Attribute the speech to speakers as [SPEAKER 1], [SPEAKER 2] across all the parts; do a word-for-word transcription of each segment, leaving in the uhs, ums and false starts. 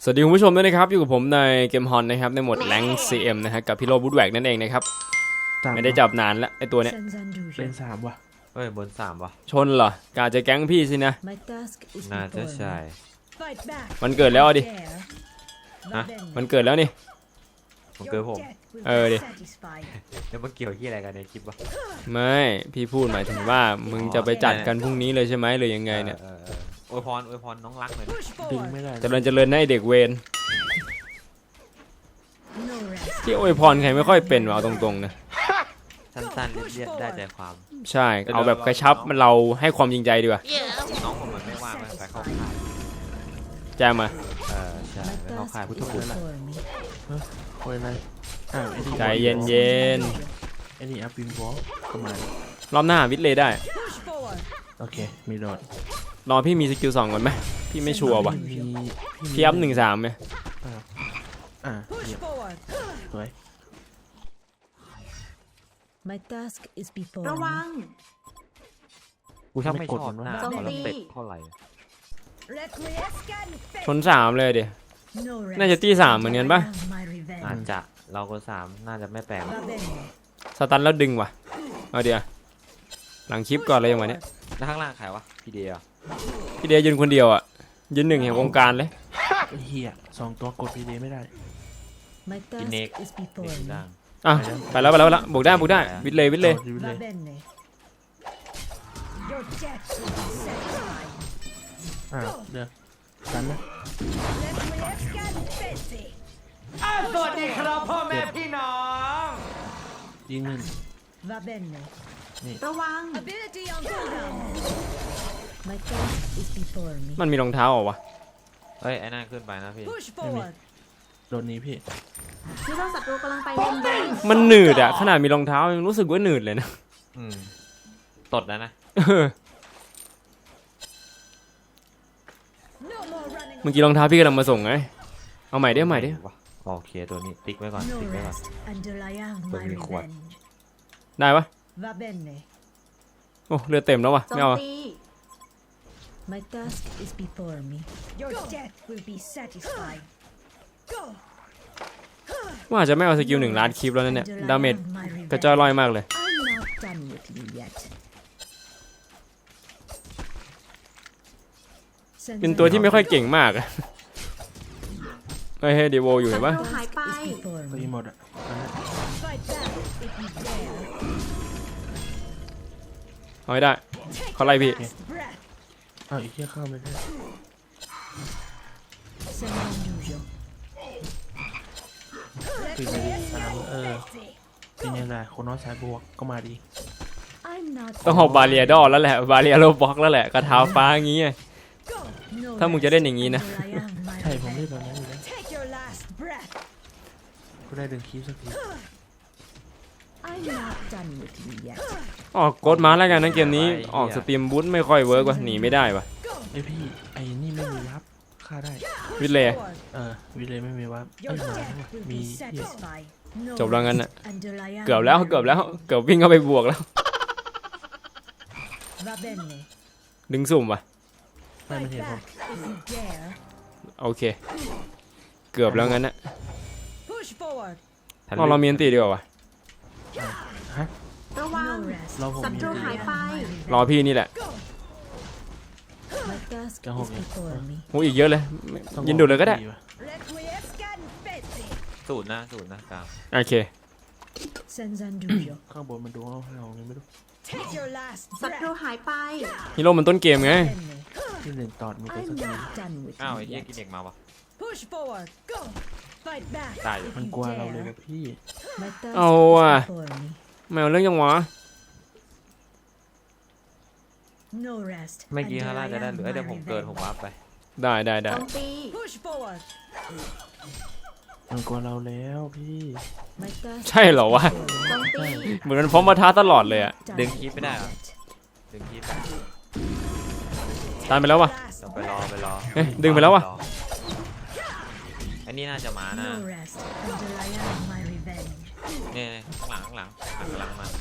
[SPEAKER 1] สวัสดีคุณผู้ชมด้วยนะครับอยู่กับผมในเกมฮอนนะครับในโหมดแรงค์ ซี เอ็ม นะฮะกับพี่โรบูดแวกนั่นเองนะครับไม่ได้จับนานแล้วไอตัวเนี้ย
[SPEAKER 2] เป็นสามว่ะ
[SPEAKER 3] เฮ้ยบนสามว่ะ
[SPEAKER 1] ชนเหรอกาจะแก๊งพี่สินะ
[SPEAKER 3] น่าจะใช่
[SPEAKER 1] มันเกิดแล้วดิ
[SPEAKER 3] ฮะ
[SPEAKER 1] มันเกิดแล้วนี่
[SPEAKER 3] มันเกิดผม
[SPEAKER 1] เออดิ
[SPEAKER 3] แล้วมันเกี่ยวที่อะไรกันในคลิปวะ
[SPEAKER 1] ไม่พี่พูดหมายถึงว่ามึงจะไปจัดกันพรุ่งนี้เลยใช่ไหมหรือยังไงเนี่ย
[SPEAKER 3] อวยพรอวยพรน้องรักหน่อย
[SPEAKER 2] ดึงไม่ได้
[SPEAKER 1] เจริญเจริญให้เด็กเวรที่อวยพรใครไม่ค่อยเป็นเอาตรงๆนะ
[SPEAKER 3] สั้นๆเรียบๆได้ใจความ
[SPEAKER 1] ใช่เอาแบบกระชับมันเราให้ความจริงใจดีกว่า
[SPEAKER 3] น้องผมมันไม่ว่างไปเข้าค่าย
[SPEAKER 1] แจ้มา
[SPEAKER 3] เออใช่ไปเข้าค่ายพุทธคุณ
[SPEAKER 2] ละคอยอะไร
[SPEAKER 1] ใจเย็นเย็น
[SPEAKER 2] ไอ้นี่อัพวินวอล์กประมาณ
[SPEAKER 1] รอบหน้าวิทเลยได้
[SPEAKER 2] โอเคมีโดด
[SPEAKER 1] รอพี่มีสกิลสองก่อนไหมพี่ไม่ชัวร์ว่ะพี่อัพหนึ่งสามไหม
[SPEAKER 2] อ่าสวย
[SPEAKER 4] ระวัง
[SPEAKER 3] กูชอบไม่ชอบหน้าเขาแล้วเป็ดเท่าไหร่
[SPEAKER 1] ชนสามเลยเดี๋ยวน่าจะตีสามเหมือนกันปะ
[SPEAKER 3] อาจจะเราก็สามน่าจะไม่แปลก
[SPEAKER 1] สตันแล้วดึงว่ะเอาเดี๋ยวหลังคลิปก่อนเลยอย่างวันนี้
[SPEAKER 3] แล้วข้างล่างใครวะพี่เดีย
[SPEAKER 1] พี่เดียยืนคนเดียวอ่ะยืนหนึ่งแห่งวงการเลย
[SPEAKER 2] เฮียสองตัวกดพี่เดียไม่ได้
[SPEAKER 3] อินเน็กดัง
[SPEAKER 1] อ่ะไปแล้วไปแล้วไปแล้วบุกได้บุกได้วิทเลยวิทเลย
[SPEAKER 2] อ่าเดี๋ยวกันนะ
[SPEAKER 5] สวัสดีครับพ่อแม่พี่น้อง
[SPEAKER 2] ยิงหนึ่ง
[SPEAKER 4] ระวัง
[SPEAKER 1] มันมีรองเท้าเหรอวะ
[SPEAKER 3] เฮ้ยไอ้นั่นขึ้นไปนะพี่
[SPEAKER 2] โดนนี้พี่
[SPEAKER 4] ฮีโร่ศัตรูกำลังไปเลน
[SPEAKER 1] มันหนืดอะขนาดมีรองเท้ายังรู้สึกว่าหนืดเลยนะ
[SPEAKER 3] อืมตดแล้วนะ
[SPEAKER 1] เมื่อกี้รองเท้าพี่กำลังมาส่งไงเอาใหม่ได้ใหม่ได้
[SPEAKER 3] โอเคตัวนี้ติ๊กไว้ก่อนติ๊กไว้ก่อนตัวมีขวด
[SPEAKER 1] ได้ปะโอ้เรือเต็มแล้ววะไม่เอาว่าจะไม่เอาสกิลหนึ่งล้านคลิปแล้วนั่นเนี่ยดาเมจกระจายลอยมากเลยเป็นตัวที่ไม่ค่อยเก่งมากอะเฮ้ยเฮ้ยเดโวอยู่เห็นปะ
[SPEAKER 2] ไปหมดอ่ะ
[SPEAKER 1] เอาไม่ได้เขาไล่พี่
[SPEAKER 2] อ้าวอีกแค่เข้าไม่ได้คือไปสามเออเป็นยังไงคนน้อยสายบวกก็มาดี
[SPEAKER 1] ต้องหอบบาเรียดอแล้วแหละบาเรียโลบ็อกแล้วแหละกระเท้าฟ้างี้ถ้ามึงจะเล่นอย่างนี้นะ
[SPEAKER 2] ใช่ผมเล่นแบบนั้นอยู่แล้วก็ได้ดึงคีบสักที
[SPEAKER 1] ออกกดมาแล้วกันนะเกมนี้ออกสตรีมบูทไม่ค่อยเวิร์กว่ะหนีไม่ได้ว่ะ
[SPEAKER 2] ไอพี่ไอ้นี่ไม่มีวับฆ่าได้
[SPEAKER 1] วิเลย
[SPEAKER 2] เออวิเลยไม่มีวับไอ้หมามี
[SPEAKER 1] จบแล้วงั้นน่ะเกือบแล้วเกือบแล้วเกือบวิ่งเข้าไปบวกแล้วดึงสุ่มว่ะ
[SPEAKER 2] ไม่ไม่เห็นผม
[SPEAKER 1] โอเคเกือบแล้วงั้นนะเราเรามีอันตีดีกว่าวะ
[SPEAKER 4] ระวังศัตรูหายไป
[SPEAKER 1] รอพี่นี่แหละโอ้อีกเยอะเลยยินดูเลยก็ได้
[SPEAKER 3] สูตรนะสูตรนะกลาง
[SPEAKER 1] โอเค
[SPEAKER 2] ข้างบนมันดูเอาให้เราไม่รู้
[SPEAKER 4] ศัตรูหายไป
[SPEAKER 1] ฮีโร่มันต้นเกมไง
[SPEAKER 2] ที่เล่นตอดมีตัวสักที
[SPEAKER 3] อ้าวไอ้เหี้ยกินเด็กมาวะ
[SPEAKER 2] ตายมันกลัวเราเลยกับพี่
[SPEAKER 1] เอาอ่ะไม่เอาเรื่องยังวะ
[SPEAKER 3] ไม่กี่ฮาร่าจะได้หรือเดี๋ยวผมเกิดผมวาร์ปไป
[SPEAKER 1] ได้ได้ได้
[SPEAKER 2] มันกลัวเราแล้วพี่
[SPEAKER 1] ใช่เหรอวะเหมือนมันพร้อมมาท้าตลอดเลยอะ
[SPEAKER 3] ดึงคีบไม่ได้หรอดึงคีบ
[SPEAKER 1] ตามไปแล้ววะ
[SPEAKER 3] ไปรอไปรอ
[SPEAKER 1] เฮ้ยดึงไปแล้ววะ
[SPEAKER 3] อันนี้น่าจะมานะเนี่ยข้างหลังข้างหลังหันกำลังมา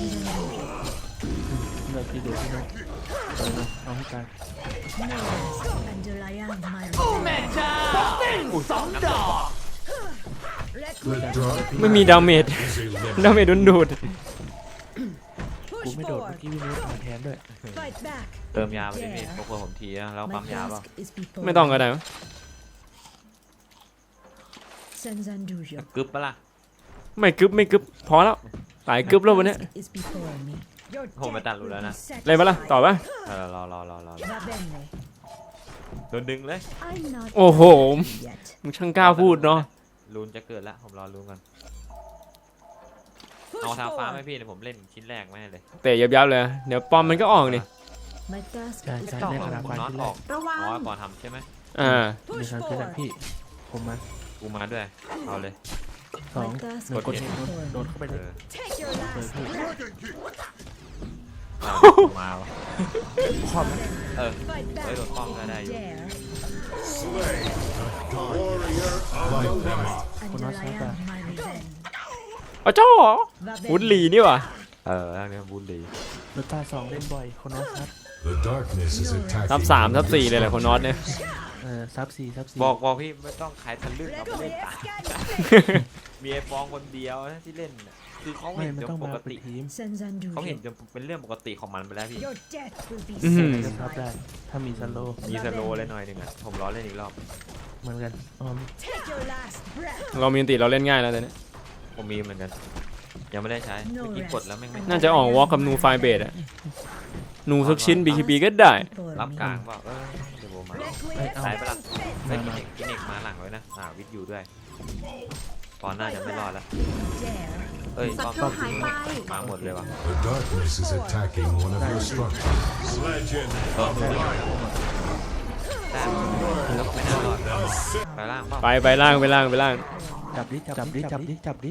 [SPEAKER 2] เราพี่เด็กพี่น้องเอาให้กัน
[SPEAKER 5] โอ้แม่จ้าสองดอก
[SPEAKER 1] ไม่มีดาเมจ ดาเมจโดนดูด
[SPEAKER 2] กูไม่โดดเมื่อกี้พี่นุ๊กมาแทนด้วย
[SPEAKER 3] เติมยาไปดิพี่พวกผมทีนะแล้วปั๊มยาเปล่า
[SPEAKER 1] ไม่ต้องก็ได้มั้ง
[SPEAKER 3] กึบปะล่ะ
[SPEAKER 1] ไม่กึบไม่กึบพอแล้วหลายกึบแล้ววันเนี้ย
[SPEAKER 3] ผมไปตัดรูแล้วนะ
[SPEAKER 1] เลยปะล่ะต่อปะ
[SPEAKER 3] เออรอรอรอรอรอโดนดึงเลย
[SPEAKER 1] โอ้โหมึงช่างกล้าพูดเนาะ
[SPEAKER 3] รูนจะเกิดแล้วผมรอรูนก่อนเอาทาฟ้าไหมพี่เดี๋ยวผมเล่นชิ้นแรกไม่เลย
[SPEAKER 1] เตะยับๆเลยเดี๋ยวปอมมันก็ออกนี่
[SPEAKER 2] ใช่ใช่
[SPEAKER 3] ต้อง
[SPEAKER 2] ได้
[SPEAKER 3] ข
[SPEAKER 2] ขนาด
[SPEAKER 3] อง
[SPEAKER 2] ควาย
[SPEAKER 3] น็อต
[SPEAKER 2] ที่
[SPEAKER 3] อ
[SPEAKER 2] แร
[SPEAKER 3] อก
[SPEAKER 2] ก
[SPEAKER 4] ระวัง
[SPEAKER 3] อ๋อก่อนทำใช่ไหม
[SPEAKER 1] อ่า
[SPEAKER 2] มีครั้งที่แรกพี่ ผมมา
[SPEAKER 3] กูมาด้วยเอาเลย
[SPEAKER 2] สองหนึ่งกดเห็นโดดเข้าไป
[SPEAKER 3] เอ
[SPEAKER 2] เลย
[SPEAKER 3] อ
[SPEAKER 2] เปิดพี่
[SPEAKER 3] เอามาวะ
[SPEAKER 2] ครอบนะ
[SPEAKER 3] เออเฮ้ยโดนป้องก็ได้อยู่
[SPEAKER 2] คนน้อยใช้ป่ะ
[SPEAKER 1] เอาเจ้าเหรอวุดลีนี่ว่ะ
[SPEAKER 3] เออทางนี้บูลลี่
[SPEAKER 2] โดตาสองเล่นบ่อยคนน้อยซับ
[SPEAKER 6] The darkness is attacking.
[SPEAKER 1] ทับสามทับสี่เลยแหละคนนอตเนี่ย
[SPEAKER 2] เออซับสี่ซับสี่
[SPEAKER 3] บอกบอกพี่ไม่ต้องขายทะลึ่งเราไม่เล่นตามมีไอ้ฟองคนเดียวนะที่เล่นน่ะคือเขา
[SPEAKER 2] ไม่
[SPEAKER 3] เห็น
[SPEAKER 2] ไม่
[SPEAKER 3] จ
[SPEAKER 2] ต้อน ง
[SPEAKER 3] ป
[SPEAKER 2] มาก เป็น
[SPEAKER 3] ติ
[SPEAKER 2] ทีม
[SPEAKER 3] เขาเห็นจนเป็นเรื่องปกติของมันไปแล้วพี่
[SPEAKER 1] อื้อหือ
[SPEAKER 2] จะซับได้ถ้ามีสโลว์
[SPEAKER 3] มีสโลว์เลยหน่อยหนึ่งอ่ะผมรอเล่นอีกรอบ
[SPEAKER 2] เหมือนกันอ๋อ
[SPEAKER 1] เรามีอันติเราเล่นง่ายแล้วตอนนี้
[SPEAKER 3] ผมมีเหมือนกันยังไม่ได้ใช้เมื่อกี้กดแล้วแม่งไม่
[SPEAKER 1] น่าจะออกวอลกับนูไฟเบดอะนูสักชิ้น บี คี บี ก็ได้
[SPEAKER 3] รับกลางเปล่าเออเดี๋ยวผมมา
[SPEAKER 2] เอ้ยเอา
[SPEAKER 3] ใช้ปะล่ะใช้
[SPEAKER 2] มา
[SPEAKER 3] กิน
[SPEAKER 2] มา
[SPEAKER 3] เน็กกินเน็กมาหลังไว้นะอ่าวิทยูด้วยตอนหน้าจะไม่รอดแล้วเอ้ย
[SPEAKER 4] ศั
[SPEAKER 3] ป้อม
[SPEAKER 4] ตรูหายไป
[SPEAKER 3] มาหมดเลยว่ะ
[SPEAKER 6] The darkness is attacking one of your structures.
[SPEAKER 3] เออได้แล้วไม่น่ารอดไปล่างเปล่า
[SPEAKER 1] ไปไปล่างไปล่างไปล่าง
[SPEAKER 2] จับดิจับดิจับดิจับดิ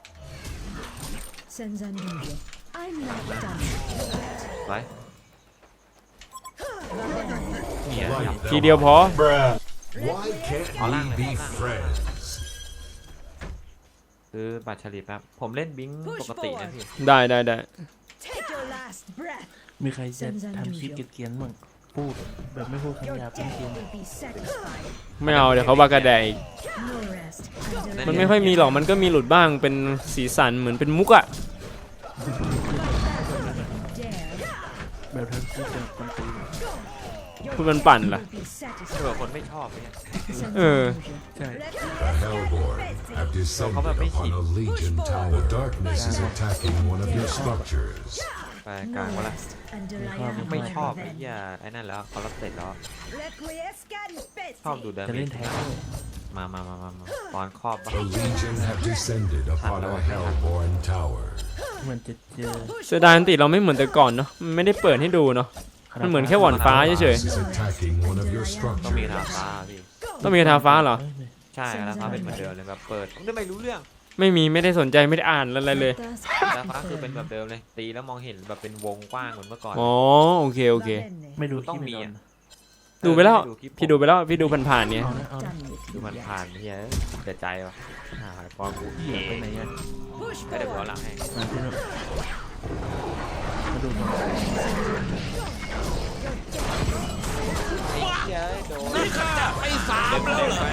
[SPEAKER 3] ไปเนี่ย
[SPEAKER 1] ทีเดียวพอ
[SPEAKER 6] Why can't we be friends?
[SPEAKER 3] คือบัตรเฉลี่ยครับผมเล่นบิงปกตินะพี่
[SPEAKER 1] ได้ได้ได้
[SPEAKER 2] มีใครจะทำคลิปเกรียนๆบ้างพูดแบบไม่พูดคำหยาบเป็นเกรียน
[SPEAKER 1] ไม่เอาเดี๋ยวเขาบากระแดกอีกมันไม่ค่อยมีหรอกมันก็มีหลุดบ้างเป็นสีสันเหมือนเป็นมุกอะ
[SPEAKER 2] แบบทั้งที่เจอคนตี
[SPEAKER 1] พูดมันปั่นล่ะ
[SPEAKER 3] เผื่อคนไม่ชอบเนี่ย
[SPEAKER 1] เออ
[SPEAKER 2] ใช่
[SPEAKER 6] The Hellborn have descended upon a legion tower. The darkness is attacking one of your structures.
[SPEAKER 3] ไปกลางวะละไม่ชอบไอ้เหี้ยไอ้นั่นแล้วคอร์เสร็จแล้วชอบดูเดิน
[SPEAKER 2] จะเล่นแทนด้วย
[SPEAKER 3] มามามามามาตอนครอบปะ
[SPEAKER 6] The legion have descended upon a Hellborn tower.
[SPEAKER 2] เหมือนจะเจอ
[SPEAKER 1] เสียดายอันติเราไม่เหมือนแต่ก่อนเนาะมันไม่ได้เปิดให้ดูเนาะมันเหมือนแค่หว่อนฟ้าเฉย
[SPEAKER 6] This is attacking one of your
[SPEAKER 3] ต้องมี
[SPEAKER 6] structures.
[SPEAKER 3] ทาฟ้าพี่
[SPEAKER 1] ๆต้องมีกระทาฟ้าเหรอ
[SPEAKER 3] ใช่ทาฟ้าเป็นเหมือนเดิมเลยแบบเปิดผมจะไม่รู้เรื่อง
[SPEAKER 1] ไม่มีไม่ได้สนใจไม่ได้อ่านอะไรเลย
[SPEAKER 3] ทาฟ้าคือเป็นแบบเดิมเลยตีแล้วมองเห็นแบบเป็นวงกว้างเหมือนเมื่อก่อน
[SPEAKER 1] อ๋อโอเคโอเค
[SPEAKER 2] ไม่ดู
[SPEAKER 3] ต้อง
[SPEAKER 2] คลิป
[SPEAKER 3] มี
[SPEAKER 2] ไม่
[SPEAKER 3] อ่ะ
[SPEAKER 2] โดน
[SPEAKER 1] ดูไปแล้ว
[SPEAKER 3] เออคลิป
[SPEAKER 1] พี่ดูไปแล้วพี่ดูผ่านๆเนี่ย
[SPEAKER 2] เอานะเอานะ
[SPEAKER 3] ดูมันผ่านเฮียแต่ใจว่ะหายฟองกู
[SPEAKER 2] เหี้ยไปไหนอ่ะ
[SPEAKER 3] ไม่ได้หัวหลังให้
[SPEAKER 2] มาพี่นุ๊กมาดูก่อน
[SPEAKER 3] ไอ้เหี้ยโดนนี่ค่ะไปสามแล้วเหรอ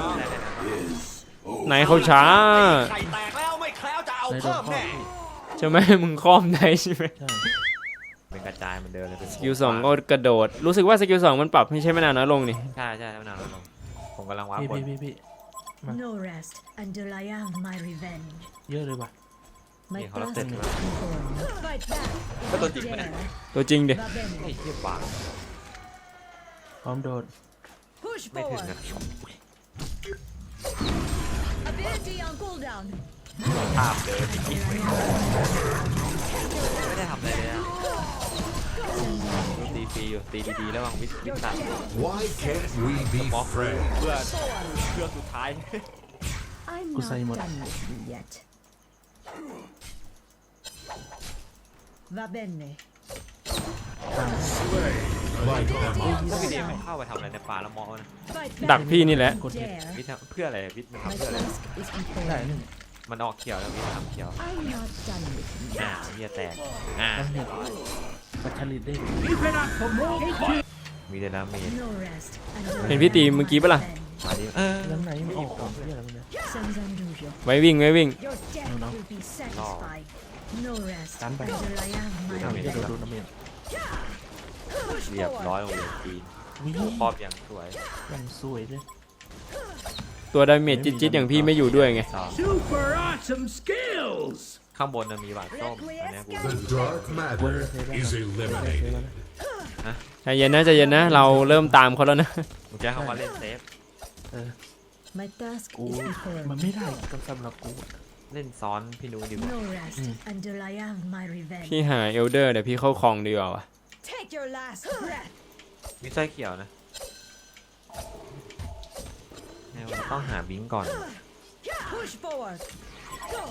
[SPEAKER 1] ไหนเขาช้า
[SPEAKER 5] ไข่แตกแล้วไม่แคล้วจะเอา
[SPEAKER 2] ในโดน
[SPEAKER 5] เพิ่ม
[SPEAKER 2] ข้อ
[SPEAKER 5] แน่
[SPEAKER 2] พี่
[SPEAKER 1] ใช่ไหมมึงคล่อมได้ใช่ไหม
[SPEAKER 2] ใช่
[SPEAKER 3] เป็นกระจายเหมือนเดิมเลยเป็น
[SPEAKER 1] สกิลสองก็กระโดด รู้สึกว่าสกิลสองมันปรับให้ใช้ไม่นานน้อยลงนี่
[SPEAKER 3] ใช่ใช่แล้วนานแล้วลงผมกำลังว้า
[SPEAKER 2] พี่
[SPEAKER 3] บน
[SPEAKER 2] พี่พี่พี่
[SPEAKER 4] No rest until I have my revenge.
[SPEAKER 2] เยอะเลยว่ะ
[SPEAKER 4] My
[SPEAKER 3] Yeah, hold on,
[SPEAKER 4] task
[SPEAKER 3] take
[SPEAKER 4] is
[SPEAKER 3] it.
[SPEAKER 4] performed. Fight back.
[SPEAKER 3] ก็ตัวจริงไหมเนี่ย
[SPEAKER 1] ตัวจริงดิ
[SPEAKER 3] ไอ้เหี้ยบา
[SPEAKER 2] พร้อมโดด
[SPEAKER 4] Push
[SPEAKER 3] ไม่ถึง
[SPEAKER 4] forward.
[SPEAKER 3] นะ
[SPEAKER 4] Ability on cooldown.
[SPEAKER 3] ภาพเดินจริงๆไม่ได้ทำอะไรเลยอะตีฟรีอยู่ตีดีๆแล้ววางวิทวิทตัด
[SPEAKER 6] Why can't we be
[SPEAKER 3] หมอเพื่อ
[SPEAKER 6] friends?
[SPEAKER 3] เพื่อเพื่อสุดท้าย
[SPEAKER 4] I'm
[SPEAKER 2] Cô
[SPEAKER 4] not
[SPEAKER 2] say một-
[SPEAKER 4] done with you yet. Va bene.
[SPEAKER 6] Light them up.
[SPEAKER 3] ถ้าพี่เดมเข้าไปทำอะไรในป่าละมอนะ
[SPEAKER 4] Fight
[SPEAKER 1] ดัก
[SPEAKER 4] back.
[SPEAKER 1] พี่นี่แหละ
[SPEAKER 2] กดเห็ด
[SPEAKER 4] Dare.
[SPEAKER 3] วิทย์เพื่ออะไรวิทย์มัน
[SPEAKER 4] My
[SPEAKER 3] ทำเพื่ออะไร
[SPEAKER 4] task is
[SPEAKER 2] ได้
[SPEAKER 4] performed.
[SPEAKER 2] หนึ่ง
[SPEAKER 3] มันออกเขียวแล้ววิทย์ทำเขียว
[SPEAKER 4] I'm not done with you
[SPEAKER 3] อ่า
[SPEAKER 4] yet.
[SPEAKER 3] เฮียแตกอ่า
[SPEAKER 2] ตั้งเห็ดปัจฉริตได้
[SPEAKER 3] มีแต่ดาเมจ
[SPEAKER 4] No rest until
[SPEAKER 1] เห็น
[SPEAKER 4] I
[SPEAKER 1] พี่ตี
[SPEAKER 4] have
[SPEAKER 1] เมื่อ
[SPEAKER 4] my
[SPEAKER 1] กี้ปะล่ะ
[SPEAKER 4] revenge.
[SPEAKER 3] มาดิเออ
[SPEAKER 2] ยังไหนมันออกของที่อะไรมันเนี่ย
[SPEAKER 4] Sanzanduja,
[SPEAKER 1] ไว้วิ่งไว้วิ่ง
[SPEAKER 4] your death
[SPEAKER 2] No, no.
[SPEAKER 4] will be satisfied. No rest
[SPEAKER 2] Stand back.
[SPEAKER 4] until I am my
[SPEAKER 2] ทำให้
[SPEAKER 4] revenge.
[SPEAKER 2] โดนน้ำเมียน
[SPEAKER 3] เรียบร้อยโรงเรียนจีน
[SPEAKER 2] วิ่ง
[SPEAKER 3] ครอบอย่างสวย
[SPEAKER 2] ยังสวยเลย
[SPEAKER 1] ตัวดาเมจจิ๊ดๆอย่างพี่ไม่อยู่ด้วยไง
[SPEAKER 3] สอง
[SPEAKER 5] Super awesome skills!
[SPEAKER 3] ข้างบนน่ะมีหวานส้มอันเนี้ยกู
[SPEAKER 6] The dark matter is eliminated.
[SPEAKER 1] ใจเย็นนะใจเย็นนะ เราเริ่มตามเขาแล้วนะ
[SPEAKER 3] มึงแจ้งเขาว่าเล่นเซฟ
[SPEAKER 4] My task
[SPEAKER 2] กู
[SPEAKER 4] is before
[SPEAKER 2] มัน
[SPEAKER 4] me.
[SPEAKER 2] ไม่ได้กับสำหรับกู
[SPEAKER 3] เล่นซ้อนพี่นูดีกว่า
[SPEAKER 4] No rest until I have my revenge.
[SPEAKER 1] พี่หาเอลเดอร์เดี๋ยวพี่เข้าคลองดีกว่าวะ
[SPEAKER 4] Take your last breath.
[SPEAKER 3] มีไส้เขียวนะแนวต้องหาบิงก่อน
[SPEAKER 4] Push forward. Go.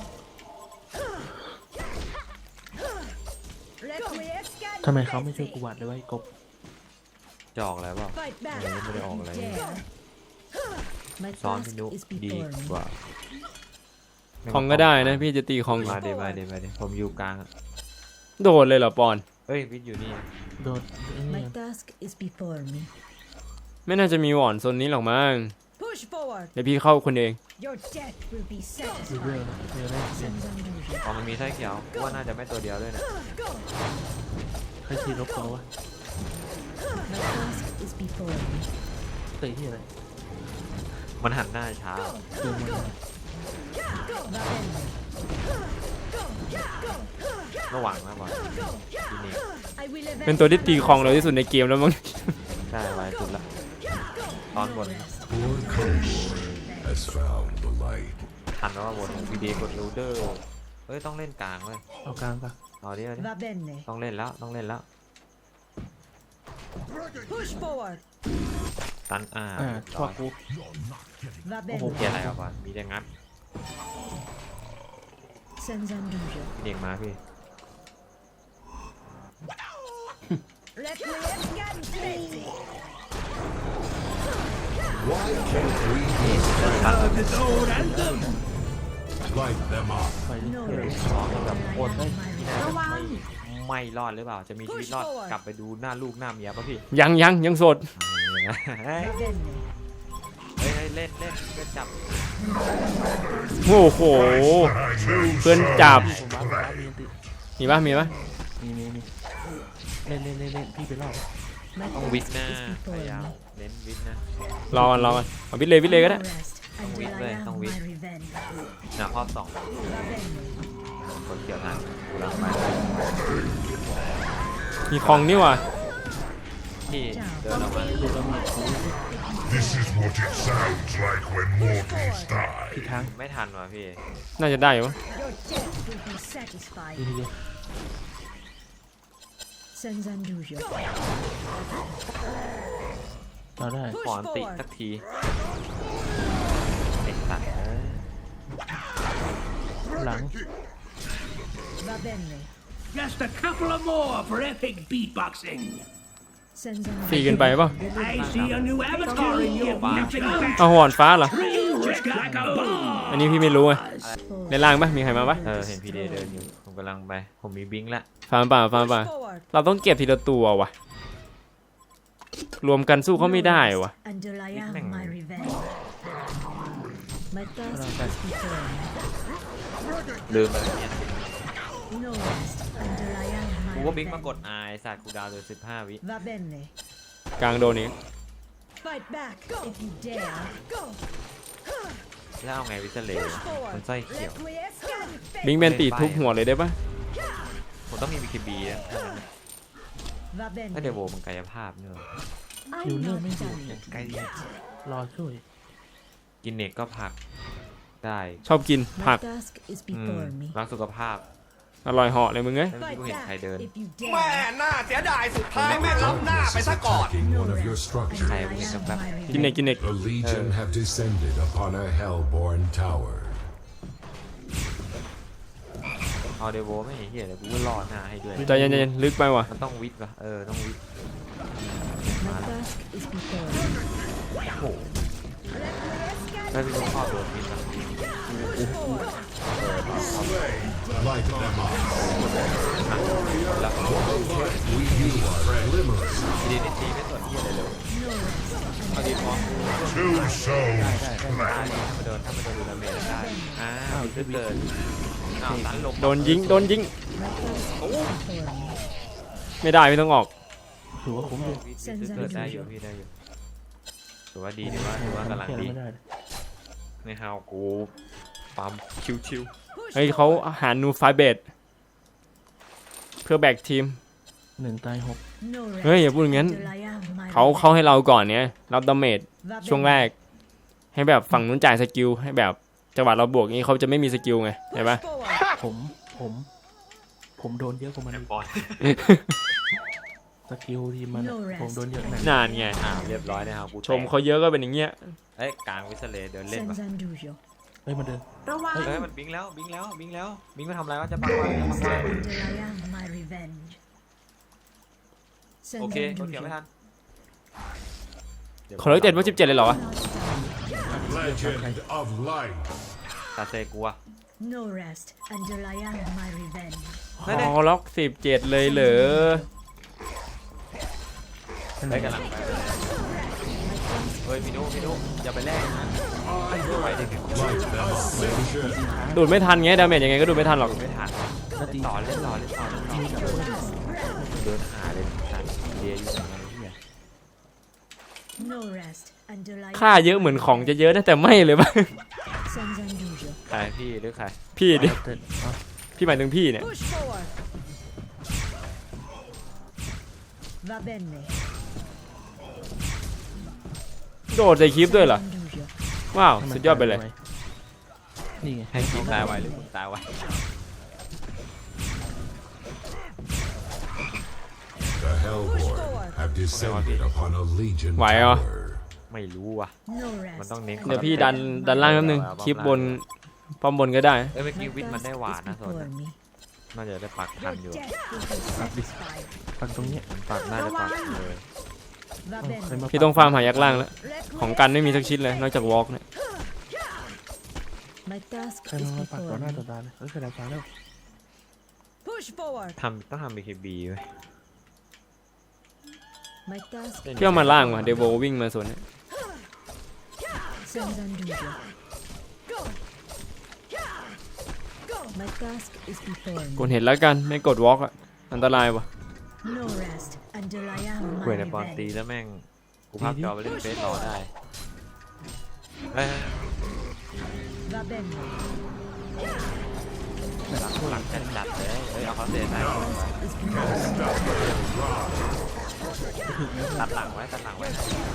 [SPEAKER 4] Requiescat
[SPEAKER 2] ทำไมเขาไม่ช่วยกูวาดเลยว่าไอ้กบ
[SPEAKER 3] จะออกแล้วเปล่า
[SPEAKER 4] Fight back.
[SPEAKER 3] เออไม่ได้ออกอะไร
[SPEAKER 4] Dare. My
[SPEAKER 3] ซ้อน
[SPEAKER 4] task
[SPEAKER 3] พี่นุ
[SPEAKER 4] is
[SPEAKER 3] ดี
[SPEAKER 4] before
[SPEAKER 3] ก
[SPEAKER 4] me.
[SPEAKER 3] ว่า
[SPEAKER 1] คลองก็ได้นะพี่จะตีคลองอยู่
[SPEAKER 3] มาเดี๋ยวมาเดี๋ยวมาเดี๋ยวผมอยู่กลางอะ
[SPEAKER 1] โดดเลยเหรอปอน
[SPEAKER 3] เอ้ยวิทย์อยู่นี่
[SPEAKER 2] โดนไอ้นี่
[SPEAKER 4] My task is before me.
[SPEAKER 1] ไม่น่าจะมีหวอนโซนนี้หรอกมั้ง
[SPEAKER 4] Push forward.
[SPEAKER 1] เดี๋ยวพี่เข้าคนเอง
[SPEAKER 4] Your death will be
[SPEAKER 2] ดูเรื่อย
[SPEAKER 4] satisfied.
[SPEAKER 2] นะเรื่อยเลยเปลี่ยน
[SPEAKER 4] Sanzanduja.
[SPEAKER 3] อ๋อมันมีไส้เขียวว่าน่าจะไม่ตัวเดียวด้วยนะ
[SPEAKER 4] Go.
[SPEAKER 2] ใครขี่รถเขาวะ
[SPEAKER 4] My task is before me.
[SPEAKER 2] เตะที่อะไร
[SPEAKER 3] มันหันหน้าช้า
[SPEAKER 2] ดูมัน
[SPEAKER 4] Va bene.
[SPEAKER 3] ระหว่างมากกว่าทีนี้
[SPEAKER 4] I will
[SPEAKER 1] เป็น
[SPEAKER 4] avenge
[SPEAKER 1] ตัวที่ตี
[SPEAKER 4] my
[SPEAKER 1] คลองเร็วที่สุดในเกมแล้วมั้ง
[SPEAKER 3] ได้ไว้สุดละตอนบน
[SPEAKER 6] Poor Kobold has found the light.
[SPEAKER 3] ทันแล้วว่าบนวีดีกดรูเดอร์เอ้ยต้องเล่นกลางเว้ย
[SPEAKER 2] เอากลางปะ
[SPEAKER 3] เอาดิเอาดิ
[SPEAKER 4] Va bene.
[SPEAKER 3] ต้องเล่นแล้วต้องเล่นแล้ว
[SPEAKER 4] Push forward.
[SPEAKER 3] ตันอ่า
[SPEAKER 2] อ่าชอบกู
[SPEAKER 4] Va
[SPEAKER 3] โอ้โห
[SPEAKER 4] bene.
[SPEAKER 3] เกียร์อะไรอ่ะก่อนมีแต่งัด
[SPEAKER 4] Sanzanduja.
[SPEAKER 3] พี่เด็กมาพี่
[SPEAKER 4] Requiescat feti.
[SPEAKER 6] Why can't we
[SPEAKER 3] ตัน
[SPEAKER 6] light them up?
[SPEAKER 2] ไปเรื่
[SPEAKER 4] No
[SPEAKER 2] อย
[SPEAKER 4] rest
[SPEAKER 3] ร้องแบบ
[SPEAKER 4] until
[SPEAKER 3] โค
[SPEAKER 4] I
[SPEAKER 3] ตร
[SPEAKER 4] have my
[SPEAKER 3] ไม่
[SPEAKER 4] revenge.
[SPEAKER 3] ไม่รอดหรือเปล่าจะมีชีวิตรอดกลับไปดูหน้าลูกหน้าเมียป่ะพี่
[SPEAKER 1] ยังยังยังโสด
[SPEAKER 3] เฮ้ย
[SPEAKER 4] Va bene.
[SPEAKER 3] เฮ้ยเล่นเล่นเพื่อนจับ
[SPEAKER 1] โอ้โห เพื่อนจับ
[SPEAKER 2] ๆผมว่าผมว่ามีอันติ
[SPEAKER 1] มีปะมีปะ
[SPEAKER 2] มีมีมีเล่นเล่นเล่นเล่นพี่ไปรอบ
[SPEAKER 4] My
[SPEAKER 3] ต้องวิท
[SPEAKER 4] task
[SPEAKER 3] นะ
[SPEAKER 4] is
[SPEAKER 3] พ
[SPEAKER 4] before
[SPEAKER 3] ยายาม
[SPEAKER 4] me.
[SPEAKER 3] เน้นวิทนะ
[SPEAKER 1] รอกันรอกันเอาวิทเลยวิทเลยก็ได้
[SPEAKER 4] No rest until I
[SPEAKER 3] win,
[SPEAKER 4] have
[SPEAKER 3] don't win.
[SPEAKER 4] my revenge.
[SPEAKER 3] หน้าครอบสอง
[SPEAKER 4] Va bene.
[SPEAKER 3] คนเกี่ยวทันกูรังไป
[SPEAKER 1] มีคลองนี่ว่ะ
[SPEAKER 3] ที่เดินออกมา
[SPEAKER 2] ดูแล้วมีกู
[SPEAKER 6] This is what it sounds like when mortals die.
[SPEAKER 2] ผิดทาง
[SPEAKER 3] ไม่ทันว่ะพี่
[SPEAKER 1] น่าจะได้อยู่วะ
[SPEAKER 4] Your death will be satisfied.
[SPEAKER 2] ดีดี
[SPEAKER 4] Sanzanduja.
[SPEAKER 2] เราได้
[SPEAKER 3] ขออันติสักทีไอ้สัตว์เอ้ย
[SPEAKER 2] หลัง
[SPEAKER 4] Va bene.
[SPEAKER 5] Just a couple of more for epic beatboxing.
[SPEAKER 1] ฟรี
[SPEAKER 4] Sanzanduja.
[SPEAKER 1] เกินไปเปล่ะ
[SPEAKER 5] I see a new avatar in your nothing but
[SPEAKER 1] เอาหวอนฟ้าเหรอ
[SPEAKER 5] just like a bomb.
[SPEAKER 1] อันนี้พี่ไม่รู้ไงในล่างปะมีใครมาปะ
[SPEAKER 3] เออเห็นพีเดเดินอยู่ผมกำลังไปผมมีบิงค์ละ
[SPEAKER 1] ฟาร์มป่าฟาร์มป่า
[SPEAKER 4] Push forward.
[SPEAKER 1] เราต้องเก็บทีละตัวว่ะ รวมกันสู้เขาไม่ได้ว่ะ
[SPEAKER 4] Until I have my revenge. My task is before me.
[SPEAKER 3] ลืมไปแล้วเนี่ย
[SPEAKER 4] No rest until I have
[SPEAKER 3] กู
[SPEAKER 4] my
[SPEAKER 3] ก็บิงค์มากด
[SPEAKER 4] revenge.
[SPEAKER 3] ไอสัตว์กูดาวเลยสิบห้าวิ
[SPEAKER 4] Va bene.
[SPEAKER 1] กลางโดนนี้
[SPEAKER 4] Fight back if you dare. Go.
[SPEAKER 3] แล้วเอาไงวิเซเล
[SPEAKER 4] Push forward.
[SPEAKER 3] มันไส้เขียว
[SPEAKER 4] Requiescat
[SPEAKER 1] บิงเบนตีทุบหัวเลยได้ปะ
[SPEAKER 3] ผมต้องมีบีเคบีอ่ะ
[SPEAKER 4] Va
[SPEAKER 3] ถ้าเด
[SPEAKER 4] bene.
[SPEAKER 3] โวมันกายภาพเนอะ
[SPEAKER 4] I'm not done yet.
[SPEAKER 3] ไกล
[SPEAKER 2] รอช่วย
[SPEAKER 3] กินเน็กก็ผักได้
[SPEAKER 1] ชอบกิน
[SPEAKER 4] My
[SPEAKER 1] ผัก
[SPEAKER 4] task is
[SPEAKER 3] อืม
[SPEAKER 4] before me.
[SPEAKER 3] รักสุขภาพ
[SPEAKER 1] อร่อยเหาะเลยมึงเอ้ย
[SPEAKER 3] แล้ว
[SPEAKER 4] Fight
[SPEAKER 3] กูเห็นใคร
[SPEAKER 4] back
[SPEAKER 3] เดิน
[SPEAKER 4] if you
[SPEAKER 5] แม่
[SPEAKER 4] dare.
[SPEAKER 5] น่าเสียดายสุดท้ายแม่งล้ำหน้า
[SPEAKER 6] Darkness
[SPEAKER 5] ไป
[SPEAKER 6] is
[SPEAKER 5] ซะก่อน
[SPEAKER 6] attacking
[SPEAKER 4] No
[SPEAKER 6] one of your
[SPEAKER 4] rest
[SPEAKER 6] structures.
[SPEAKER 4] until I
[SPEAKER 3] Okay,
[SPEAKER 4] have
[SPEAKER 3] okay.
[SPEAKER 4] my
[SPEAKER 1] กินเน็ก
[SPEAKER 4] revenge.
[SPEAKER 1] กินเน็ก
[SPEAKER 6] The Legion have descended upon a hellborn tower.
[SPEAKER 3] เอาเดโวไม่เห็นเหี้ยเลยกูก็รอหน้าให้ด้วย
[SPEAKER 1] ใจเย็นๆลึกไปว่ะ
[SPEAKER 3] มันต้องวิทย์ป่ะเออต้องวิทย์
[SPEAKER 4] My task is before me.
[SPEAKER 3] โอ้โหถ้าพี่ต้องครอบโดนวิทย์ป่ะ
[SPEAKER 6] Light them up.
[SPEAKER 3] แล้ว
[SPEAKER 6] We use glimmers.
[SPEAKER 3] ดีนิตีไม่สนหี้ยอะไรเลย
[SPEAKER 4] No rest
[SPEAKER 3] เอาดีพอ
[SPEAKER 6] Two souls
[SPEAKER 2] ได้ได้ได้
[SPEAKER 3] ได้ถ้ามาโดนถ้ามาโดนดูดาเมจได้อ้าวเกิดเกิดอ้าวตันลง
[SPEAKER 1] โดนยิงโดนยิง
[SPEAKER 4] My task is before me.
[SPEAKER 1] ไม่ได้ไม่ต้องออก
[SPEAKER 2] ถือว่าคุ้มเลย
[SPEAKER 3] พี่ซื้อเกิดได้อยู่พี่ได้อยู่ถือว่าดีถือว่าถือว่ากำลังดี
[SPEAKER 2] ไม่ได้
[SPEAKER 3] ในฮาวกูปั๊มชิว
[SPEAKER 1] เฮ้ยเขาหานูไฟเบดเพื่อแบกทีม
[SPEAKER 2] หนึ่งตายหก
[SPEAKER 4] No rest
[SPEAKER 1] เฮ้ยอย่าพูดอย่างนั้น
[SPEAKER 4] until I am my
[SPEAKER 1] เขา
[SPEAKER 4] revenge.
[SPEAKER 1] เขาให้เราก่อนเนี้ยรับดาเมจ
[SPEAKER 4] Va
[SPEAKER 1] ช่วง
[SPEAKER 4] bene.
[SPEAKER 1] แรก ให้แบบฝั่งนู้นจ่ายสกิลให้แบบจังหวะเราบวกนี้เขาจะไม่มีสกิลไงเห็นปะ
[SPEAKER 2] ผมผมผมโดนเยอะกว่ามันอีก
[SPEAKER 3] ๆบอล
[SPEAKER 2] สกิลทีมมันอะผมโดนเยอะหนัก
[SPEAKER 1] นานไง
[SPEAKER 3] อ้าวเรียบร้อยนะฮาวกู
[SPEAKER 1] ชมเขาเยอะก็เป็นอย่างเงี้ย
[SPEAKER 3] เอ้ยกลางวิสเลเดินเล่นปะ
[SPEAKER 4] Senza indugio.
[SPEAKER 2] เฮ้ยมันเดิน
[SPEAKER 3] เฮ้ยมันบิงแล้วบิงแล้วบิงแล้วบิงมาทำอะไรวะจะปังวะจะปังวะ
[SPEAKER 4] Until I am my revenge.
[SPEAKER 3] โอ
[SPEAKER 4] Senza
[SPEAKER 3] เคโอเคไม่
[SPEAKER 4] indugio.
[SPEAKER 3] ทัน
[SPEAKER 1] ขอเลิกเจ็ดว่าสิบเจ็ดเลยเหรอวะ
[SPEAKER 6] Legend of light
[SPEAKER 3] ตาเซกัว
[SPEAKER 4] No rest until I am my revenge.
[SPEAKER 1] ขอล็อกสิบเจ็ดเลยเหรอ
[SPEAKER 3] ได้กำลังไปเฮ้ยพี่นุพี่นุอย่าไปแลกนะไปเด็ก
[SPEAKER 6] Light them ascension
[SPEAKER 1] ดูดไม่ทันไงดาเมจยังไงก็ดูดไม่ทันหรอก
[SPEAKER 3] ไม่ทันเล่นต่อเล่นต่อเล่นต่อเล่นต่อเดินหาเลยทันเดียอยู่ไหนเนี่ย
[SPEAKER 4] No rest until I
[SPEAKER 1] ค่าเยอะเหมือนของจะเยอะนะแต่ไม่เลยปะ
[SPEAKER 4] Senza indugio.
[SPEAKER 3] ใครพี่หรือใคร
[SPEAKER 1] พี่ดิ
[SPEAKER 2] เต้นเอา
[SPEAKER 1] พี่หมายถึงพี่เนี่ย
[SPEAKER 4] Push forward. Va bene.
[SPEAKER 1] โดดใส่คลิปด้วยเหรอ
[SPEAKER 4] Senza indugio.
[SPEAKER 1] ว้าว
[SPEAKER 2] ให้มัน
[SPEAKER 1] สุดยอดไปเลย
[SPEAKER 2] นี่ไง
[SPEAKER 3] ให้พี่ตายไวหรือผมตายไว
[SPEAKER 6] The Hellborn have descended upon a legion
[SPEAKER 1] Why, uh?
[SPEAKER 6] tower
[SPEAKER 3] ไม่รู้ว่ะ
[SPEAKER 4] No
[SPEAKER 3] มัน
[SPEAKER 4] rest.
[SPEAKER 3] ต้องเน้น
[SPEAKER 1] เดี๋ยวพี่ดันดันล่างแป๊บนึงคลิปบนป้อมบนก็ได้
[SPEAKER 3] เอ้ยเมื่อ
[SPEAKER 4] My
[SPEAKER 3] กี้วิทย์มัน
[SPEAKER 4] task
[SPEAKER 3] ได้หวาน
[SPEAKER 4] is
[SPEAKER 3] นะโซน
[SPEAKER 4] before me.
[SPEAKER 3] น่าจะได้ปักทัน
[SPEAKER 4] Your
[SPEAKER 3] อยู่
[SPEAKER 4] death will be satisfied.
[SPEAKER 2] ฝั่งตรงเนี้ย
[SPEAKER 3] มันปักน่าจะปักเลย
[SPEAKER 4] Va
[SPEAKER 2] เอ้าใคร
[SPEAKER 4] bene.
[SPEAKER 2] มา
[SPEAKER 1] พี่ต้องฟาร์มหายักษ์ล่างแล้ว ของกันไม่มีสักชิ้นเลยนอกจากวอล์กเนี่ย
[SPEAKER 4] My task
[SPEAKER 2] ใคร
[SPEAKER 4] is
[SPEAKER 2] มาปักต่อ
[SPEAKER 4] before
[SPEAKER 2] หน้า
[SPEAKER 4] me.
[SPEAKER 2] ต่อตาเลยเฮ้ยกระดาษฟ้าแล้ว
[SPEAKER 4] Push forward.
[SPEAKER 3] ทำต้องทำ บี เค บี ไว้
[SPEAKER 4] My task
[SPEAKER 1] พี่เอามาล่างว่ะเดโววิ่งมาส่วนเนี้ย
[SPEAKER 4] Senza indugio. My task is before
[SPEAKER 1] กด
[SPEAKER 4] me.
[SPEAKER 1] เห็นแล้วกันไม่กดวอล์กอะอันตรายว่ะ
[SPEAKER 4] No rest until I am
[SPEAKER 3] เว้ย
[SPEAKER 4] my
[SPEAKER 3] ในบอลตี
[SPEAKER 4] revenge.
[SPEAKER 3] แล้วแม่งกูพับจอไปเล่นเฟซรอได้เฮ้ย
[SPEAKER 4] Va bene.
[SPEAKER 3] หลังหลังจัดจัดเลยเฮ้ยเอาเขาเตะได้ตัดหลังไว้ตัดหลังไว้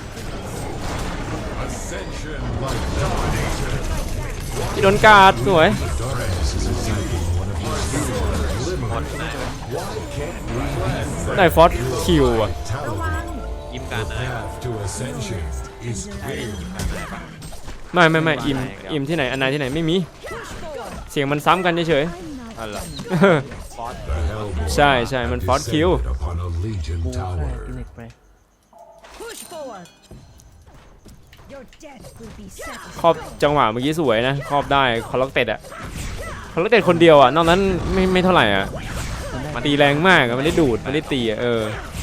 [SPEAKER 6] Ascension light dominator
[SPEAKER 1] พี่โดนการ์ดสวย
[SPEAKER 6] darkness is attacking one of your structures
[SPEAKER 3] หมดไหน
[SPEAKER 6] why can't we be
[SPEAKER 1] ได้ฟอสคิวอ่ะ
[SPEAKER 6] vitality
[SPEAKER 3] ยิ้มการ
[SPEAKER 6] the
[SPEAKER 3] นาย
[SPEAKER 6] path to ascension is clear
[SPEAKER 1] ไม่ไม่ไม่อิมอิมที่ไหนอันไหนที่ไหนไม่มี เสียงมันซ้ำกันเฉย
[SPEAKER 3] อ๋อเหรอ
[SPEAKER 1] ๆ
[SPEAKER 3] ฟอส
[SPEAKER 6] the Hellborn
[SPEAKER 1] ใช่ใช่มันฟอสคิว
[SPEAKER 6] descended upon a legion
[SPEAKER 2] กูฆ่า
[SPEAKER 6] tower
[SPEAKER 2] กินเน็กไป
[SPEAKER 4] Push forward. Your death will be
[SPEAKER 1] ครอบ
[SPEAKER 4] satisfied.
[SPEAKER 1] จังหวะเมื่อกี้สวยนะครอบได้คอล็อกเต็ดอะคอล็อกเต็ดคนเดียวอะนอกนั้นไม่ไม่เท่าไหร่อะมันตีแรงมากอะมันได้ดูดมันได้ตีอะเออ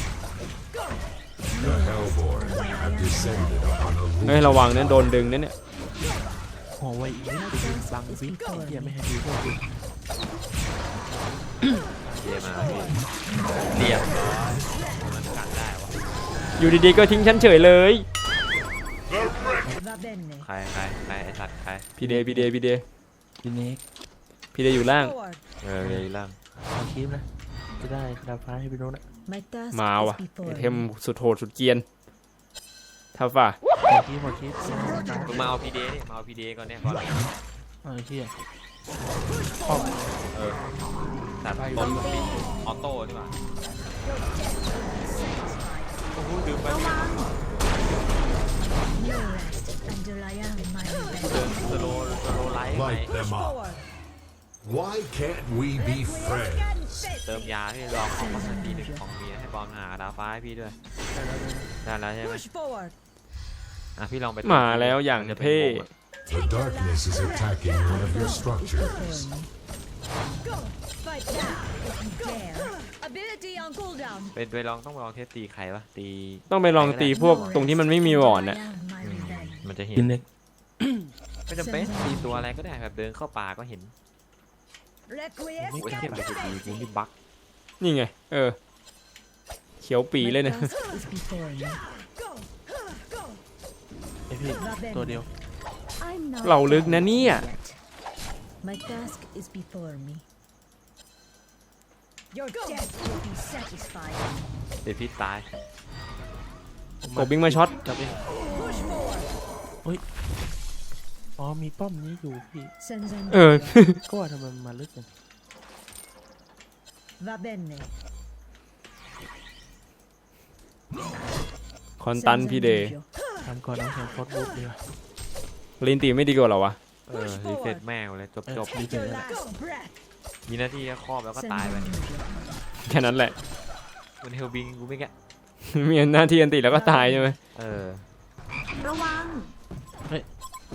[SPEAKER 6] the Hellborn have descended upon a
[SPEAKER 1] เฮ้ย
[SPEAKER 6] legion
[SPEAKER 1] ระวังเนี่ยโดนดึงนะเนี่ย
[SPEAKER 2] หัวไวอีกนิดไปยืนบังวิทย์เหี้ยไม่ให้ดูพวกกู
[SPEAKER 3] เยมาพี่เรียบร้อยมันกันได้วะ
[SPEAKER 1] อยู่ดีๆก็ทิ้งฉันเฉยเลย
[SPEAKER 4] Va bene.
[SPEAKER 3] ใครใครใครไอสัตว์ใคร
[SPEAKER 1] พี่เดย์พี่เดย์พี่เดย์
[SPEAKER 2] กินเน็ก
[SPEAKER 1] พี่เดย์อยู่ล่าง
[SPEAKER 4] Forward.
[SPEAKER 3] เออเรียล่าง
[SPEAKER 2] เอาคลิปนะจะได้กระดาษฟ้าให้ไปโน้นนะ
[SPEAKER 4] My task
[SPEAKER 1] มา
[SPEAKER 4] is
[SPEAKER 1] ว่ะ
[SPEAKER 4] before
[SPEAKER 1] ไอเทม
[SPEAKER 4] me.
[SPEAKER 1] สุดโหดสุดเกรียนท่าฝ่า
[SPEAKER 2] เอาคลิปเอาคลิป
[SPEAKER 3] มึงมาเอาพีเดดิมาเอาพีเดก่อนเนี่ยก่อน
[SPEAKER 2] เอาไอ้เหี้ย
[SPEAKER 3] เออตัดบอลปิดออโต้ดีกว่าโอ้โหดื่มไป
[SPEAKER 4] No rest until I am my
[SPEAKER 3] เดิน
[SPEAKER 4] revenge.
[SPEAKER 3] สโลสโลไลท์ไหม
[SPEAKER 6] light them up
[SPEAKER 4] Forward.
[SPEAKER 6] why can't we be friends
[SPEAKER 3] เติมยาที่ลองของมาสักทีหนึ่งของเมียให้บอลหาดาวฟ้าให้พี่ด้วยได้แล้วใช่ไหม
[SPEAKER 4] Push forward.
[SPEAKER 3] อ่ะพี่ลองไป
[SPEAKER 1] มาแล้วอย่างเท่
[SPEAKER 6] the darkness is attacking one of your structures
[SPEAKER 4] Before me. Go. Fight now if you dare. Ability on cooldown.
[SPEAKER 3] เป็นไปลองต้องไปลองเทสตีใครวะตี
[SPEAKER 1] ต้องไปลองตีพวกตรงที่มันไม่มีวอร์ด
[SPEAKER 4] Until
[SPEAKER 1] น่ะ
[SPEAKER 4] I have my revenge.
[SPEAKER 3] มันจะเห็น
[SPEAKER 2] กินเล็ก
[SPEAKER 3] ไม่จำเป็นตีตัวอะไรก็ได้แบบเดินเข้าป่าก็เห็น
[SPEAKER 4] Requiescat
[SPEAKER 3] โอ้ยเทียบไปตีกูนี่บั๊ก
[SPEAKER 1] นี่ไงเออเขียวปีเลยเนี่ย
[SPEAKER 4] My task is before me.
[SPEAKER 2] ไอพี่ตัวเดียว
[SPEAKER 4] I'm not
[SPEAKER 1] เราลึกนะเนี่ย
[SPEAKER 4] yet. My task is before me. Your death will be satisfied.
[SPEAKER 3] เดี๋ยวพี่ตาย
[SPEAKER 1] กบบิงมาช็อต
[SPEAKER 2] จับเองเฮ้ยอ๋อมีป้อมนี้อยู่พี่
[SPEAKER 4] Senza
[SPEAKER 1] เออ
[SPEAKER 2] ก็ว่าทำไมมันมาลึกจัง
[SPEAKER 4] Va bene.
[SPEAKER 1] คอนตัน
[SPEAKER 4] Senza
[SPEAKER 1] พี่เดย์
[SPEAKER 4] dubbio.
[SPEAKER 2] ทำก่อนน้องแข่งฟอสบุ๊กดีกว่า
[SPEAKER 1] ลินตีไม่ดีกว่าเหรอวะ
[SPEAKER 3] เออรีเซ็ตแม่งเลยจบจบ
[SPEAKER 2] ดี
[SPEAKER 4] Take
[SPEAKER 2] เกิน
[SPEAKER 4] your
[SPEAKER 2] แล้ว
[SPEAKER 4] last breath.
[SPEAKER 3] มีหน้าที่แค่ครอบแล้วก็
[SPEAKER 4] Senza
[SPEAKER 3] ตายไป
[SPEAKER 4] dubbio.
[SPEAKER 1] แค่นั้นแหละ
[SPEAKER 3] มันเฮลบิงกูไม่แกะ
[SPEAKER 1] มีหน้าที่อันติแล้วก็ตายใช่ไหม
[SPEAKER 3] เออ
[SPEAKER 4] ระวัง
[SPEAKER 2] เฮ้ย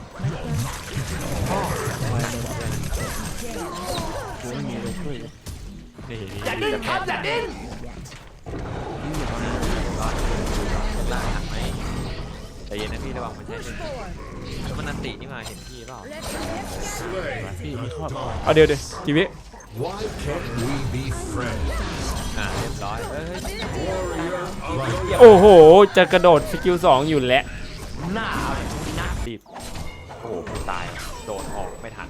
[SPEAKER 4] My task
[SPEAKER 2] ไวเลยกูไม่มีเลยช่วยเลย
[SPEAKER 3] นี่
[SPEAKER 5] อย่าดิ้นครับอย่าดิ้น
[SPEAKER 2] นี่อยู่ตอนนี้
[SPEAKER 3] ร้อนล่างหักไหมแต่เย็นนะพี่ระวังมันใช้เป็นแล้วมันนันตินี่มาเห็นพี่เปล่า
[SPEAKER 2] พี่มีข้อต่อ
[SPEAKER 1] เอาเดี๋ยวเดี๋ยวจีวิ
[SPEAKER 6] Why can't we be friends?
[SPEAKER 3] อ่าเรียบร้อยเอ้ย
[SPEAKER 6] Like
[SPEAKER 1] โอ้โห จะกระโดดสกิลสองอยู่แล้ว
[SPEAKER 5] หน้าเอาเลยหน้า
[SPEAKER 3] รีบโอ้โหกูตายโดนออกไม่ทัน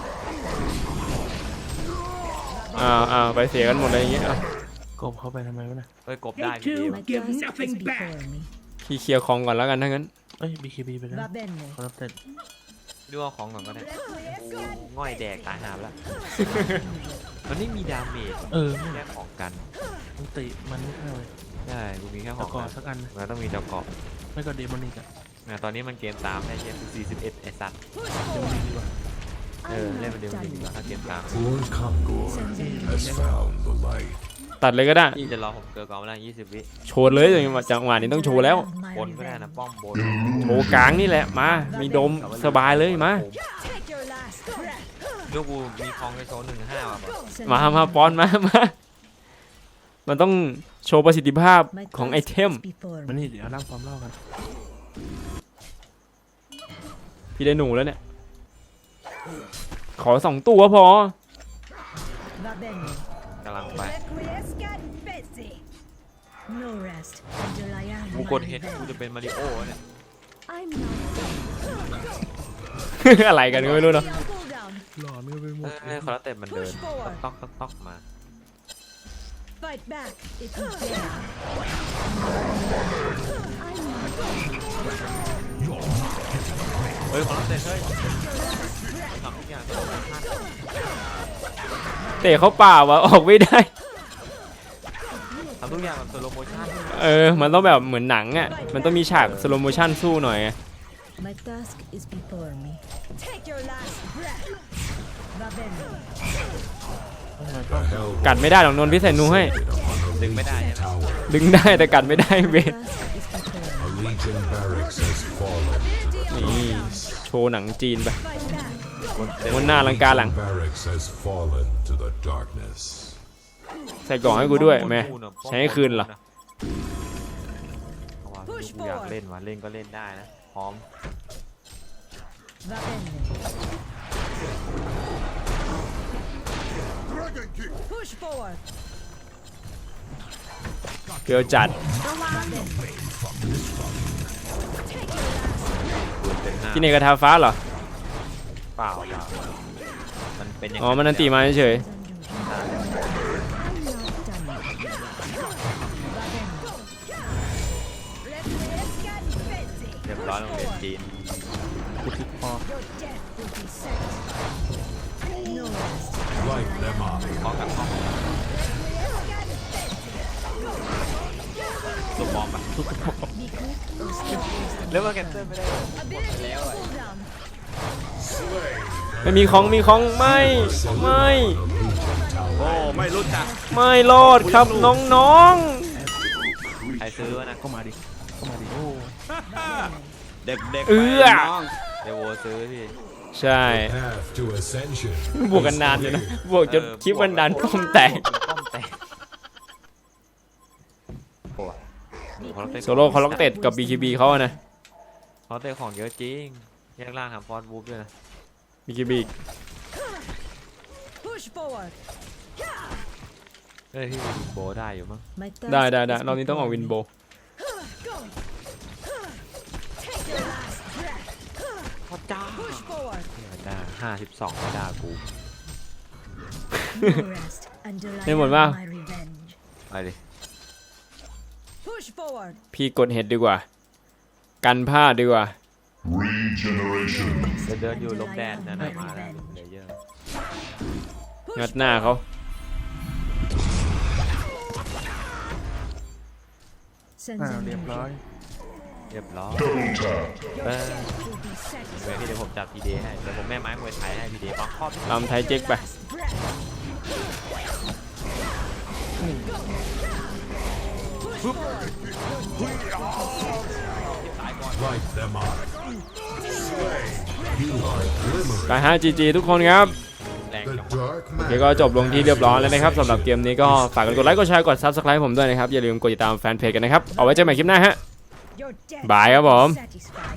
[SPEAKER 1] อ้าวอ้าวไปเสียกันหมดเลยอย่างเงี้ยอ่ะ
[SPEAKER 2] กบเข้าไปทำไมวะน่ะ
[SPEAKER 3] เฮ้ยกบได้พี่ดี
[SPEAKER 4] My
[SPEAKER 5] Give
[SPEAKER 4] task is
[SPEAKER 5] nothing back.
[SPEAKER 4] before me.
[SPEAKER 1] พี่เคลียร์ของก่อนแล้วกันถ้างั้น
[SPEAKER 2] เอ้ย บี เค บี ไปแล้ว
[SPEAKER 4] Va bene.
[SPEAKER 2] คอร์รัปเต็ด
[SPEAKER 3] ดูเอาของก่อนก็ได้กูง่อยแดกตายหาไปแล้ว มันไม่มีดาเมจ
[SPEAKER 2] เออ
[SPEAKER 3] แค่ของกัน
[SPEAKER 2] มันติมันไม่เข้าเลย
[SPEAKER 3] ใช่กูมีแค่ข
[SPEAKER 2] ตะ
[SPEAKER 3] อง
[SPEAKER 2] กอ
[SPEAKER 3] กัน
[SPEAKER 2] สักอันนะ
[SPEAKER 3] มันต้องมีเจ้าเกาะ
[SPEAKER 2] ไม่ก็เดมอนิกอะ
[SPEAKER 3] นะตอนนี้มันเกมตามได้เกมสี่สิบเอ็ดไอ้สัตว์
[SPEAKER 2] เดมอนิกดีกว่า
[SPEAKER 3] เออเล่นมันเดียวมันดีกว่าถ้าเกมตาม
[SPEAKER 6] poor Kongor has found the light.
[SPEAKER 1] ตัดเลยก็ได้
[SPEAKER 3] พี่จะรอผมเกิร์ลกองไม่ได้ยี่สิบวิ
[SPEAKER 1] โชว์เลยจังหวะจังหวะนี้ต้องโชว์แล้ว
[SPEAKER 4] My
[SPEAKER 3] บนก็ได้นะ
[SPEAKER 4] revenge.
[SPEAKER 3] ป้อมบน
[SPEAKER 1] โชว์กลางนี่แหละมา มีดมสบายเลยมา
[SPEAKER 4] Take your last breath.
[SPEAKER 3] ลูกกูมีคองในโซนหนึ่งห้าว่ะ
[SPEAKER 4] Senza
[SPEAKER 1] มามาปอนมามามันต้องโชว์ประสิทธิภาพ
[SPEAKER 4] My
[SPEAKER 1] ของ
[SPEAKER 4] task
[SPEAKER 1] ไอเทม
[SPEAKER 4] is before
[SPEAKER 2] มัน
[SPEAKER 4] me.
[SPEAKER 2] นี่เดี๋ยวนั่งความเล่ากัน
[SPEAKER 1] พี่ได้หนูแล้วเนี่ย ขอสองตัวพอ
[SPEAKER 4] Va bene.
[SPEAKER 3] กำลังไป
[SPEAKER 4] Requiescat pezzi. No rest until I have
[SPEAKER 3] กู
[SPEAKER 4] my
[SPEAKER 3] กดเห็นกู
[SPEAKER 4] revenge.
[SPEAKER 3] จะเป็นมาริโอเนี่ย
[SPEAKER 4] I'm not
[SPEAKER 1] อะไรกันก็ไม่รู้เนาะ
[SPEAKER 4] on cooldown.
[SPEAKER 2] หลอนก็ไปหม
[SPEAKER 3] เอ
[SPEAKER 2] ด
[SPEAKER 3] อเออคอร์เต็มมันเดิน
[SPEAKER 4] Push forward.
[SPEAKER 3] ต๊อกต๊อกต๊อกมา
[SPEAKER 4] Fight back if you dare. I'm not
[SPEAKER 3] เฮ้ยคอร์เต็มเฮ้ยทำทุกอย่างตัวมันพลาด
[SPEAKER 1] เตะเขาป่าวะออกไม่ได้
[SPEAKER 3] ทำทุกอย่างแบบสโลโมชั่น
[SPEAKER 1] เออ มันต้องแบบเหมือนหนังอ่ะ มันต้องมีฉากสโลโมชั่นสู้หน่อยไง
[SPEAKER 4] My task is before me. Take your last breath. Va bene.
[SPEAKER 2] ทำไมป้อม
[SPEAKER 6] Hell
[SPEAKER 1] กัดไม่ได้หรอกนนท์พี่ใส่นูให้
[SPEAKER 6] on a
[SPEAKER 3] Đừng mới đai
[SPEAKER 6] legion
[SPEAKER 3] vậy.
[SPEAKER 6] tower.
[SPEAKER 1] ดึงได้แต่กัดไม่ได้เว
[SPEAKER 4] My
[SPEAKER 1] ท
[SPEAKER 4] task is before
[SPEAKER 6] A
[SPEAKER 4] me.
[SPEAKER 6] legion barracks has fallen to the
[SPEAKER 1] นี่โชว์หนังจีนไป
[SPEAKER 4] Fight back.
[SPEAKER 1] บนหน้าลังการหลัง
[SPEAKER 6] barracks has fallen to the darkness.
[SPEAKER 1] ใส่กล่องให้กูด้วยแม่ใช้ให้คืนเหรอ
[SPEAKER 3] เอาว่ะลูกกูอยากเล่นว่ะเล่นก็เล่นได้นะพร้อม
[SPEAKER 4] Va bene. Push forward.
[SPEAKER 1] เกลียวจัด
[SPEAKER 4] Va bene. Take your last
[SPEAKER 3] ปืนเต็มหน้า
[SPEAKER 1] ที่เนกระทาฟ้าเหรอ
[SPEAKER 3] เปล่าเปล่ามันเป็นอย่าง
[SPEAKER 1] อ๋อ มันนันตีมาเฉย
[SPEAKER 4] breath. I'm not done yet. Va bene. Requiescat pezzi.
[SPEAKER 3] เรียบร้อยโรงเรียนจีน
[SPEAKER 2] กูทิกพอ
[SPEAKER 4] Your death will be satisfied. No rest.
[SPEAKER 6] Light them up.
[SPEAKER 3] พร้อมกับห้องตัวบอมปะ
[SPEAKER 4] Be quick or step wasted.
[SPEAKER 3] แล้วมาแกนเซอร์ไม่ได้
[SPEAKER 4] Ability on cooldown.
[SPEAKER 1] ๆ ไม่มีของมีของไม่ ไม่
[SPEAKER 3] โอ้ไม่รู้จัก
[SPEAKER 1] ไม่รอดครับน้อง
[SPEAKER 3] ใครซื้อวะนะ
[SPEAKER 2] ก็มาดิก็มาดิโอ้
[SPEAKER 3] เด็กเด็ก
[SPEAKER 1] ๆ เอื้อ
[SPEAKER 3] เดวโวซื้อพี่
[SPEAKER 1] ใช่
[SPEAKER 6] Path to ascension.
[SPEAKER 1] บวกกันนานอยู่นะ บวกจนคลิปมันดันป้อมแตก
[SPEAKER 3] ป้อมแตกต็ด
[SPEAKER 1] โซโล่คอล็อกเต็ดกับ บี คี บี เขาอะนะ
[SPEAKER 3] คอลเลกเต็ดของเยอะจริงแยกล่างทำฟอนต์วูฟด้วยนะ
[SPEAKER 1] บี คี บี
[SPEAKER 4] Push forward.
[SPEAKER 3] เฮ้ยพี่วินโบได้อยู่มั้ง
[SPEAKER 4] My task
[SPEAKER 1] ได้ได้ได้
[SPEAKER 4] is
[SPEAKER 1] รอบนี้ต้องออก
[SPEAKER 4] before
[SPEAKER 1] วิน
[SPEAKER 4] me.
[SPEAKER 1] โบ
[SPEAKER 4] Go. Take your last breath.
[SPEAKER 3] พอจ้า
[SPEAKER 4] Push forward.
[SPEAKER 3] ได้ห้าสิบสองไม่ด่ากู
[SPEAKER 4] No rest until I
[SPEAKER 1] ไม่หมด
[SPEAKER 4] have
[SPEAKER 1] ป่ะ
[SPEAKER 4] my revenge.
[SPEAKER 3] ไปดิ
[SPEAKER 4] Push forward.
[SPEAKER 1] พี่กดเห็ดดีกว่า กันพลาดดีกว่า
[SPEAKER 6] Regeneration.
[SPEAKER 3] เดินเดินอยู่
[SPEAKER 4] Until
[SPEAKER 3] ลม
[SPEAKER 4] I
[SPEAKER 3] แดน
[SPEAKER 4] have
[SPEAKER 3] นั่น
[SPEAKER 4] my
[SPEAKER 3] น่ะมาแล้ว
[SPEAKER 4] revenge.
[SPEAKER 3] เลเยอร์
[SPEAKER 4] Push
[SPEAKER 1] งัดหน้าเขา
[SPEAKER 4] Sends
[SPEAKER 2] อ้าว
[SPEAKER 4] a
[SPEAKER 2] เรียบร้อย
[SPEAKER 3] เรียบร้อย
[SPEAKER 6] Double tap.
[SPEAKER 3] Uh,
[SPEAKER 4] Your death will be
[SPEAKER 3] เดี๋ยว
[SPEAKER 4] satisfied.
[SPEAKER 3] พี่เดี๋ยวผมจับพีเดให้เดี๋ยวผมแม่ไม้มวยไทยให้พีเดบังครอบ
[SPEAKER 1] ลำไทยเจ๊กไป
[SPEAKER 4] Last breath. Push forward.
[SPEAKER 6] Light them up. Slay. You are glimmering.
[SPEAKER 1] ไปฮะ จี จี ทุกคนครับ
[SPEAKER 3] แรง
[SPEAKER 6] The
[SPEAKER 3] จัง
[SPEAKER 6] dark
[SPEAKER 1] โอเคก็จบลงที่เรียบร้อยแล้วนะครับสำหรับเกมนี้ก็ฝากกดไลค์กดแชร์กด ซับสไครบ์ ผมด้วยนะครับ อย่าลืมกดติดตามแฟนเพจกันนะครับ เอาไว้เจอกันใหม่คลิปหน้าฮะ
[SPEAKER 4] Your death
[SPEAKER 1] Bye,
[SPEAKER 4] will be
[SPEAKER 1] Abom.
[SPEAKER 4] satisfied.